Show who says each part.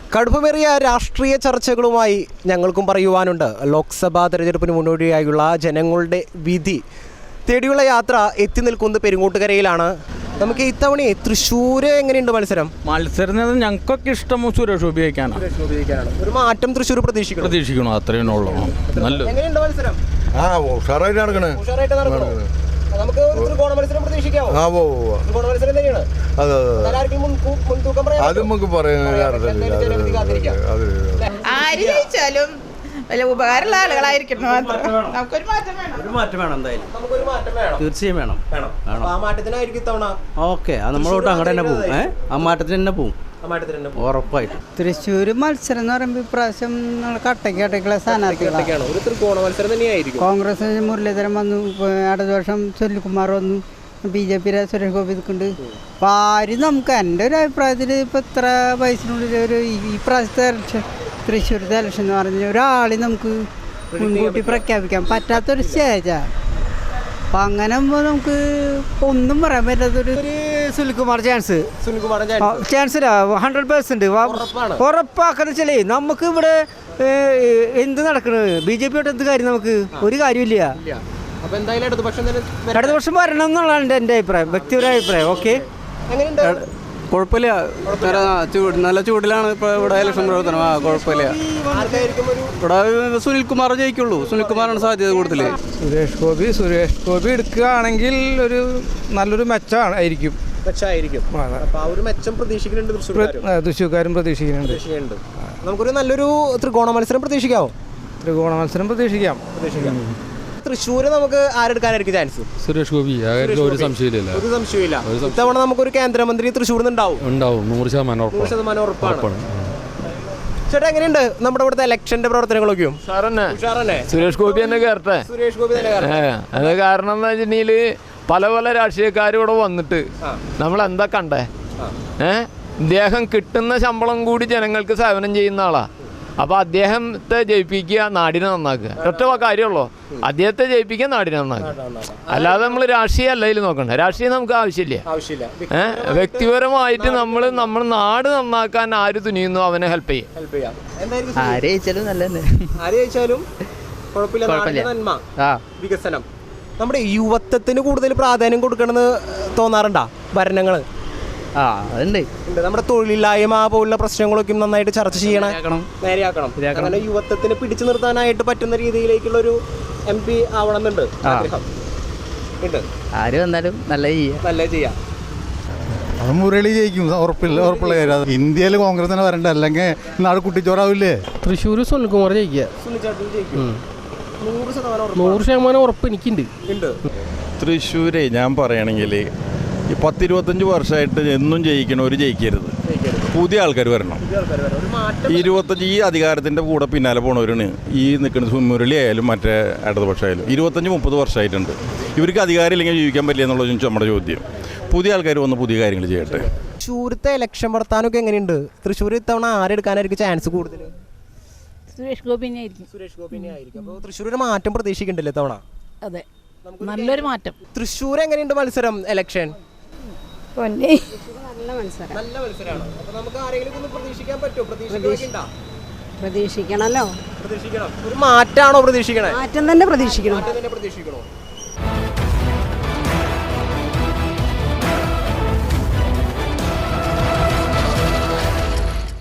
Speaker 1: കടുപ്പമേറിയ രാഷ്ട്രീയ ചർച്ചകളുമായി ഞങ്ങൾക്കും പറയുവാനുണ്ട്. ലോക്സഭാ തെരഞ്ഞെടുപ്പിന് മുന്നോടിയായുള്ള ജനങ്ങളുടെ വിധി തേടിയുള്ള യാത്ര എത്തി നിൽക്കുന്നത് പെരുങ്ങോട്ടുകരയിലാണ്. നമുക്ക് ഇത്തവണ തൃശ്ശൂർ എങ്ങനെയുണ്ട് മത്സരം?
Speaker 2: ഞങ്ങൾക്കൊക്കെ ഇഷ്ടം സുരേഷ് ഗോപി
Speaker 1: ഉപയോഗിക്കാനാണ്. ഒരു മാറ്റം തൃശ്ശൂർ പ്രതീക്ഷിക്കണം.
Speaker 2: അത്രയും ഉള്ളൂ.
Speaker 1: എങ്ങനെയുണ്ട് മത്സരം?
Speaker 3: ഉഷാറായിട്ട് നടക്കണേ.
Speaker 1: നമുക്ക് ത്രികോണ മത്സരം പ്രതീക്ഷിക്കാമോ? ത്രികോണ മത്സരം തന്നെയാണ്.
Speaker 3: അത് നമുക്ക് പറയാൻ
Speaker 4: ആര് ജയിച്ചാലും വലിയ ഉപകാരമുള്ള ആളുകളായിരിക്കണം. നമുക്കൊരു മാറ്റം വേണം.
Speaker 5: എന്തായാലും തീർച്ചയായും വേണം.
Speaker 1: ആ മാറ്റത്തിനായിരിക്കും ഇത്തവണ.
Speaker 5: ഓക്കെ, അത് നമ്മളോട്ട് അങ്ങനെ തന്നെ പോകും. ആ മാറ്റത്തിന് തന്നെ പോകും ഉറപ്പായിട്ട്.
Speaker 6: തൃശ്ശൂർ മത്സരം എന്ന് പറയുമ്പോൾ ഇപ്രാവശ്യം കട്ടയ്ക്കുള്ള സ്ഥാനാർത്ഥികളാണ്.
Speaker 1: ഒരു ത്രികോണ മത്സരം തന്നെയായിരിക്കും.
Speaker 6: കോൺഗ്രസ് മുരളീധരൻ വന്നു, അടുത്ത വർഷം സുനിൽകുമാർ വന്നു, BJP സുരേഷ് ഗോപി നിൽക്കുന്നുണ്ട്. അപ്പോൾ ആരും നമുക്ക് എൻ്റെ ഒരു അഭിപ്രായത്തിൽ ഇപ്പോൾ ഇത്ര വയസ്സിനുള്ളിൽ ഒരു ഈ പ്രാവശ്യത്തെ ഇലക്ഷൻ, തൃശ്ശൂരത്തെ ഇലക്ഷൻ എന്ന് പറഞ്ഞാൽ ഒരാളെ നമുക്ക് മുൻകൂട്ടി പ്രഖ്യാപിക്കാൻ പറ്റാത്തൊരു സ്റ്റേജാണ്. അപ്പം അങ്ങനെ ആകുമ്പോൾ നമുക്ക് ഒന്നും പറയാൻ പറ്റാത്തൊരു
Speaker 7: സുനിൽകുമാർ ചാൻസ് ഇല്ല. 100% ഉറപ്പാക്കുന്ന വെച്ചാലേ നമുക്ക് ഇവിടെ എന്ത് നടക്കുന്നത് BJP യോട്ട് എന്ത് കാര്യം, നമുക്ക് ഒരു കാര്യമില്ല. അടുത്ത വർഷം വരണം എന്നുള്ളതാണ് എൻ്റെ അഭിപ്രായം, വ്യക്തിപരമായ അഭിപ്രായം. ഓക്കെ,
Speaker 2: കുഴപ്പമില്ല. നല്ല ചൂടിലാണ് ഇപ്പോൾ ഇവിടെ ഇലക്ഷൻ പ്രവർത്തനം. കുഴപ്പമില്ല. ഇവിടെ സുനിൽകുമാർ ജയിക്കുള്ളൂ. സുനിൽകുമാറാണ് സാധ്യത കൂടുതൽ.
Speaker 8: സുരേഷ് ഗോപി എടുക്കുകയാണെങ്കിൽ ഒരു നല്ലൊരു മെച്ചമായിരിക്കും. തൃശ്ശൂർക്കാരും പ്രതീക്ഷിക്കുന്നുണ്ട്.
Speaker 1: നമുക്കൊരു നല്ലൊരു ത്രികോണ മത്സരം പ്രതീക്ഷിക്കാമോ?
Speaker 8: ത്രികോണ മത്സരം പ്രതീക്ഷിക്കാം.
Speaker 1: തൃശ്ശൂര് നമുക്ക് ആരെടുക്കാനായിരിക്കും ചാൻസ്?
Speaker 2: സുരേഷ് ഗോപി, ഒരു സംശയമില്ല.
Speaker 1: ഇത്തവണ നമുക്കൊരു കേന്ദ്രമന്ത്രി തൃശ്ശൂരിൽ നിന്ന്
Speaker 2: ഉണ്ടാവും. 100%
Speaker 1: ഉറപ്പാണ്. ചേട്ടാ, എങ്ങനെയുണ്ട് നമ്മുടെ ഇവിടുത്തെ ഇലക്ഷന്റെ പ്രവർത്തനങ്ങളൊക്കെയും?
Speaker 9: സുരേഷ് ഗോപി തന്നെ കയറട്ടെ. അത് കാരണം എന്താ വെച്ചിട്ടുണ്ടെങ്കിൽ പല രാഷ്ട്രീയക്കാരും ഇവിടെ വന്നിട്ട് നമ്മൾ എന്താ കണ്ടേ? ഇദ്ദേഹം കിട്ടുന്ന ശമ്പളം കൂടി ജനങ്ങൾക്ക് സേവനം ചെയ്യുന്ന ആളാ. അപ്പോൾ അദ്ദേഹത്തെ ജയിപ്പിക്കുക, നാടിനെ നന്നാക്കുക. ഒറ്റ കാര്യമുള്ളൂ, അദ്ദേഹത്തെ ജയിപ്പിക്കുക, നാടിനെ നന്നാക്കുക. അല്ലാതെ നമ്മൾ രാഷ്ട്രീയം അല്ല ഇതിൽ നോക്കണ്ടേ. രാഷ്ട്രീയം നമുക്ക് ആവശ്യമില്ല. വ്യക്തിപരമായിട്ട് നമ്മൾ നാട് നന്നാക്കാൻ ആര് തുനിയുന്നു അവനെ ഹെൽപ്പ് ചെയ്യാം.
Speaker 1: വികസനം നമ്മുടെ യുവത്വത്തിന് കൂടുതൽ പ്രാധാന്യം കൊടുക്കണമെന്ന് തോന്നാറുണ്ടോ ഭരണങ്ങൾ?
Speaker 5: അതുണ്ട്.
Speaker 1: നമ്മുടെ തൊഴിലില്ലായ്മ പോലുള്ള പ്രശ്നങ്ങളൊക്കെ നന്നായിട്ട് ചർച്ച ചെയ്യണം, നേരെയാക്കണം. അങ്ങനെ യുവത്വത്തിന് പിടിച്ചു നിർത്താനായിട്ട് പറ്റുന്ന രീതിയിലേക്കുള്ള ഒരു MP ആവണമെന്നുണ്ട് ആഗ്രഹം.
Speaker 5: ആര് വന്നാലും നല്ല ചെയ്യാം.
Speaker 3: മുരളി ജയിക്കും, ഉറപ്പുള്ള കാര്യം. ഇന്ത്യയിൽ കോൺഗ്രസിനെ വരണ്ട, അല്ലെങ്കിൽ നാട് കുട്ടിച്ചോറാവില്ലേ?
Speaker 7: തൃശ്ശൂർ സുനിൽകുമാർ ജയിക്കുക. 100% ഉറപ്പ് എനിക്കുണ്ട്.
Speaker 10: തൃശ്ശൂരെ ഞാൻ പറയുകയാണെങ്കിൽ ഈ 10-25 വർഷമായിട്ട് എന്നും ജയിക്കണവർ ജയിക്കരുത്. പുതിയ ആൾക്കാർ വരണം. 25 ഈ അധികാരത്തിൻ്റെ കൂടെ പിന്നാലെ പോണവരാണ് ഈ നിൽക്കുന്നത്. മുരളി ആയാലും മറ്റേ ഇടതുപക്ഷമായാലും 25-30 വർഷമായിട്ടുണ്ട്. ഇവർക്ക് അധികാരം ഇല്ലെങ്കിൽ ജീവിക്കാൻ പറ്റില്ല എന്നുള്ളത് നമ്മുടെ ചോദ്യം. പുതിയ ആൾക്കാർ വന്ന് പുതിയ കാര്യങ്ങൾ ചെയ്യട്ടെ.
Speaker 1: തൃശ്ശൂരത്തെ ഇലക്ഷൻ വർത്താനമൊക്കെ എങ്ങനെയുണ്ട്? തൃശ്ശൂർ ഇത്തവണ ആരെടുക്കാനായിരിക്കും ചാൻസ് കൂടുതൽ?
Speaker 4: സുരേഷ് ഗോപിനായിരിക്കും.
Speaker 1: അപ്പോൾ തൃശ്ശൂർ ഒരു മാറ്റം പ്രതീക്ഷിക്കണ്ടല്ലേ ഇത്തവണ?
Speaker 4: അതെ, നല്ലൊരു മാറ്റം.
Speaker 1: തൃശ്ശൂർ എങ്ങനെയുണ്ട് മത്സരം, ഇലക്ഷൻ?
Speaker 6: നല്ല
Speaker 1: മത്സരമാണ്. അപ്പോൾ നമുക്ക് ആരെങ്കിലും ഒന്ന് പ്രതീക്ഷിക്കാൻ പറ്റുമോ?
Speaker 6: പ്രതീക്ഷിക്കണമല്ലോ.
Speaker 1: ഒരു മാറ്റാണോ പ്രതീക്ഷിക്കണേ?
Speaker 6: മാറ്റം തന്നെ പ്രതീക്ഷിക്കണം.